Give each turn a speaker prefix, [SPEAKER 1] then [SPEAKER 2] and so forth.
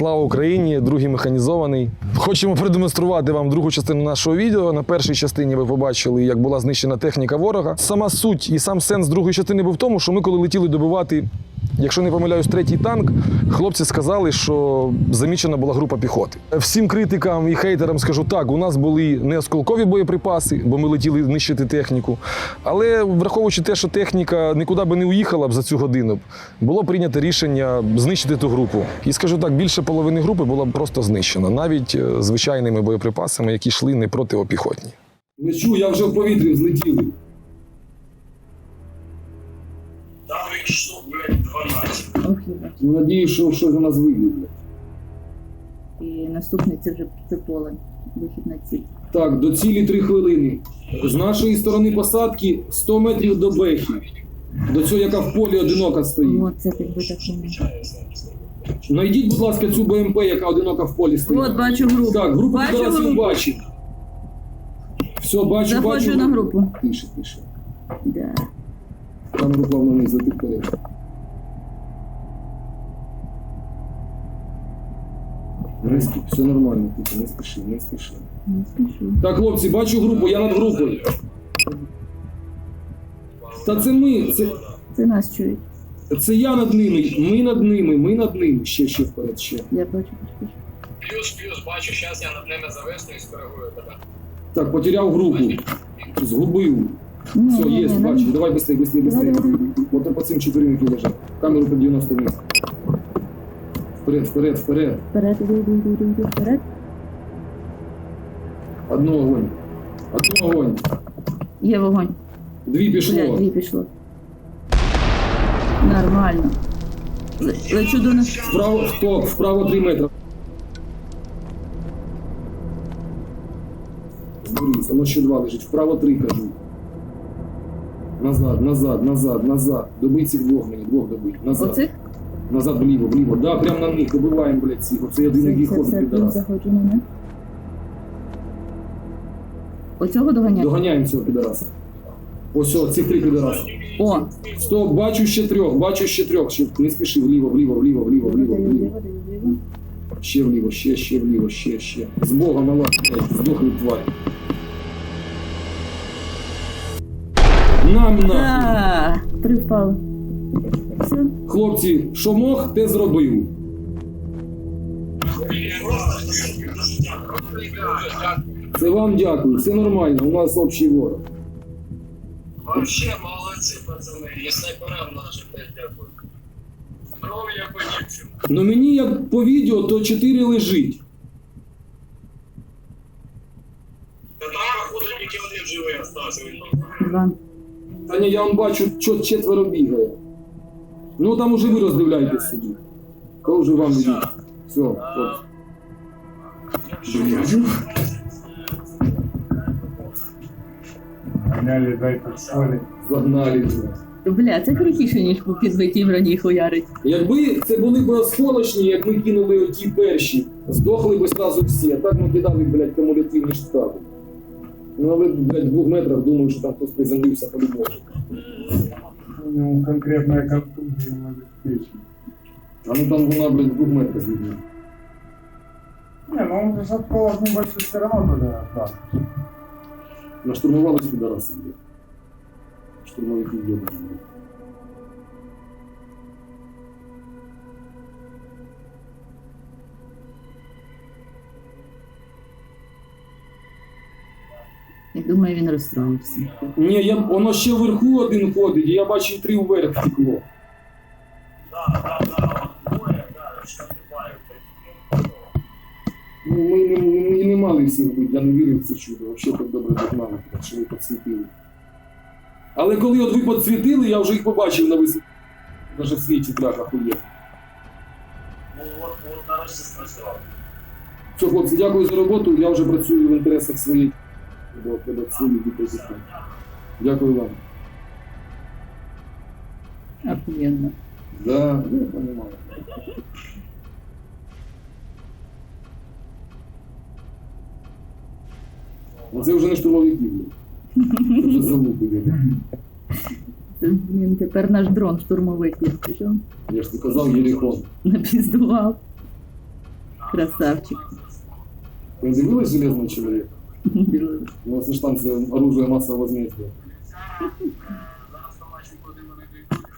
[SPEAKER 1] Слава Україні, другий механізований. Хочемо продемонструвати вам другу частину нашого відео. На першій частині ви побачили, як була знищена техніка ворога. Сама суть і сам сенс другої частини був в тому, що ми коли летіли добивати, якщо не помиляюсь, третій танк, хлопці сказали, що замічена була група піхоти. Всім критикам і хейтерам скажу так, у нас були не осколкові боєприпаси, бо ми летіли нищити техніку. Але враховуючи те, що техніка нікуди би не уїхала б за цю годину, було прийнято рішення знищити ту групу. І скажу так, більше половини групи була б просто знищена, навіть звичайними боєприпасами, які йшли не протипіхотні.
[SPEAKER 2] Лечу, я вже в повітрі взлетіли.
[SPEAKER 3] Там їх штук, блядь, 12.
[SPEAKER 2] Ну, надіюсь, що щось у нас вийде, блядь.
[SPEAKER 4] І наступний це вже це поле, вихід на ціль.
[SPEAKER 2] Так, до цілі 3 хвилини. З нашої сторони посадки 100 метрів до Бехи. До цього, яка в полі одинока стоїть.
[SPEAKER 4] От це підбита хвилина.
[SPEAKER 2] Найдіть, будь ласка, цю БМП, яка одинока в полі стоїть.
[SPEAKER 4] От бачу групу.
[SPEAKER 2] Так, групу
[SPEAKER 4] Бачу
[SPEAKER 2] зараз він
[SPEAKER 4] групу.
[SPEAKER 2] бачить. Все, бачу,
[SPEAKER 4] Заходжу
[SPEAKER 2] бачу.
[SPEAKER 4] на групу.
[SPEAKER 2] Тише.
[SPEAKER 4] Да.
[SPEAKER 2] Там група вниз, летить вперед. Все нормально, тихо, не спіши.
[SPEAKER 4] Не спішу.
[SPEAKER 2] Так, хлопці, бачу групу, я над групою. Та це ми,
[SPEAKER 4] Це нас чують.
[SPEAKER 2] це я над ними, ми над ними. Ще вперед, ще.
[SPEAKER 4] Я бачу.
[SPEAKER 3] Плюс, бачу, зараз я над ними зависну і скоригую тебе.
[SPEAKER 2] Так, потеряв групу. Згубив.
[SPEAKER 4] Ні,
[SPEAKER 2] Все, є, бачу. Давай быстрее.
[SPEAKER 4] Давай.
[SPEAKER 2] Вот по цим 4 які лежать. Камеру по 90 вниз. Вперед.
[SPEAKER 4] Вперед, іду, вперед.
[SPEAKER 2] Одно огонь.
[SPEAKER 4] Є вогонь.
[SPEAKER 2] 2 пішло.
[SPEAKER 4] Блядь, 2 пішло. Нормально. Лечу до нас.
[SPEAKER 2] Вправо 3 метри. Зберись, воно ще 2 лежить. Вправо 3, кажу. Назад. Добий цих 2 мені, 2 добий. Назад.
[SPEAKER 4] Оцих?
[SPEAKER 2] Назад, вліво. Да, прямо на них. Добиваємо, блядь, цих. Оце єдиний їх ходить
[SPEAKER 4] Це
[SPEAKER 2] підарас.
[SPEAKER 4] заходжу на них. Оцього доганяти?
[SPEAKER 2] Доганяємо цього підараса. Ось, цих 3 підараси.
[SPEAKER 4] О!
[SPEAKER 2] Стоп, бачу ще 3. Ще не спіши, вліво. Ще вліво, ще. З Бога, мала, блядь, здохли тварі. Нам нахуй.
[SPEAKER 4] 3 впали. Все.
[SPEAKER 2] Хлопці, що мог, те зробив. Це вам дякую, все нормально, у нас общий ворог.
[SPEAKER 3] Вообще молодці, пацани, і снайперам нашим теж дякую. Здоров'я по-дівчим.
[SPEAKER 2] Ну мені як по відео, то 4 лежить.
[SPEAKER 3] Та там, походу, тільки один живий остався.
[SPEAKER 4] 2.
[SPEAKER 2] Та ні, я вам бачу, 4 бігає. Ну там уже ви роздивляєтесь собі. Коли вже вам видіть. Все, хлопці.
[SPEAKER 5] Гоняли, дай подсоли.
[SPEAKER 2] Загнали вже.
[SPEAKER 4] Бля, це крутіше, ніж по підбитій броні хуярить.
[SPEAKER 2] Якби це були б осколочні, як ми кинули оті перші, здохли б одразу всі, а так ми кидали, блядь, кумулятивні штати. Ну, але, блядь, в 2 метрах думаю, що там хтось приземлився по-любому.
[SPEAKER 5] У него конкретная контузия ему обеспечена.
[SPEAKER 2] А ну там вона, блядь, в 2 метрах від нього.
[SPEAKER 5] Не, ну он же открыл небольшой все равно туда, да.
[SPEAKER 2] Наштурмувались підараси, блядь. Штурмовики йдуть, блядь.
[SPEAKER 4] Я думаю, він розстроївся.
[SPEAKER 2] Ні, воно ще вверху один ходить, і я бачив 3 вверх втекло. Ну, ми не мали всіх бути, я не вірив в це чудо. Взагалі так добре догнали, що ви підсвітили. Але коли от ви підсвітили, я вже їх побачив на висоті. Навіть в світі трах ахуєв.
[SPEAKER 3] Ну, от нарешті спрацював.
[SPEAKER 2] Все, хлопці, дякую за роботу. Я вже працюю в інтересах своїх. До своїх дітей. Дякую вам.
[SPEAKER 4] Охуєнно.
[SPEAKER 2] Да, я понимаю. Ну це вже не штурмовики, блядь. Це вже залупи, блядь.
[SPEAKER 4] Це, блін, тепер наш дрон штурмовик пішов.
[SPEAKER 2] Я ж ти казав, Єрихон.
[SPEAKER 4] Напіздував. Красавчик.
[SPEAKER 2] Ви дивились «Железного чоловіка»?
[SPEAKER 4] Дивилась.
[SPEAKER 2] У нас ж там це оружие масового возмездия.